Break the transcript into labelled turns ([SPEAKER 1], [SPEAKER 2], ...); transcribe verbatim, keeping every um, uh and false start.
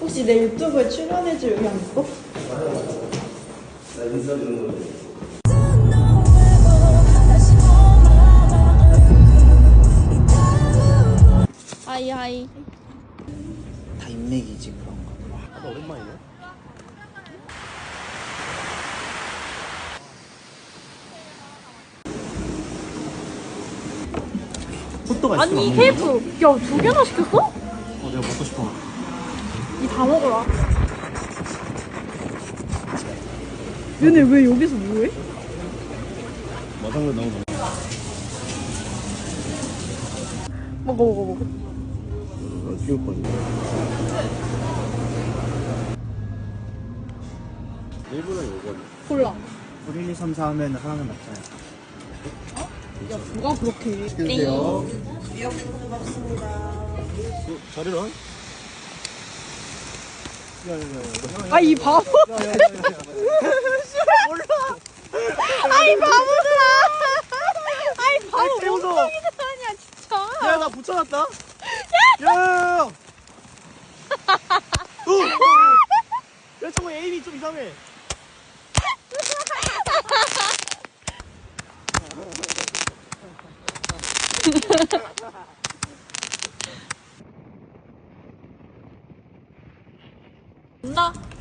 [SPEAKER 1] 혹시 내 유튜브에 출연해줄 의향 있어?
[SPEAKER 2] 나 인사 주는 거지.
[SPEAKER 3] 하이 하이.
[SPEAKER 4] 다 인맥이지 그런 거.
[SPEAKER 2] 아, 오랜만이네. 호떡 아이스크림
[SPEAKER 3] 아니
[SPEAKER 2] 안
[SPEAKER 3] 케이프
[SPEAKER 2] 먹는데?
[SPEAKER 3] 야 두 개나 시켰어?
[SPEAKER 2] 어, 내가 먹고 싶어.
[SPEAKER 3] 이 다 먹어라. 얘네 왜 여기서 뭐해?
[SPEAKER 2] 마당으로 나오는 거.
[SPEAKER 3] 먹어 먹어 먹어.
[SPEAKER 2] 아, 귀여울 거 같네. 일본은 요거네.
[SPEAKER 3] 골라.
[SPEAKER 4] 일, 이, 삼, 사 하면 하나는 맞잖아요.
[SPEAKER 3] 야 누가 그렇게 해?
[SPEAKER 2] 시켜주세요. 자리는? 야야야.
[SPEAKER 3] 아이 바보. 아이 바보들아. 아이 바보
[SPEAKER 2] 깨워줘.
[SPEAKER 3] 멍청이들 아니야 진짜.
[SPEAKER 2] 야, 나 붙여놨다. 야야야야. 야, 저거 에임이 좀 이상해.
[SPEAKER 3] 온다.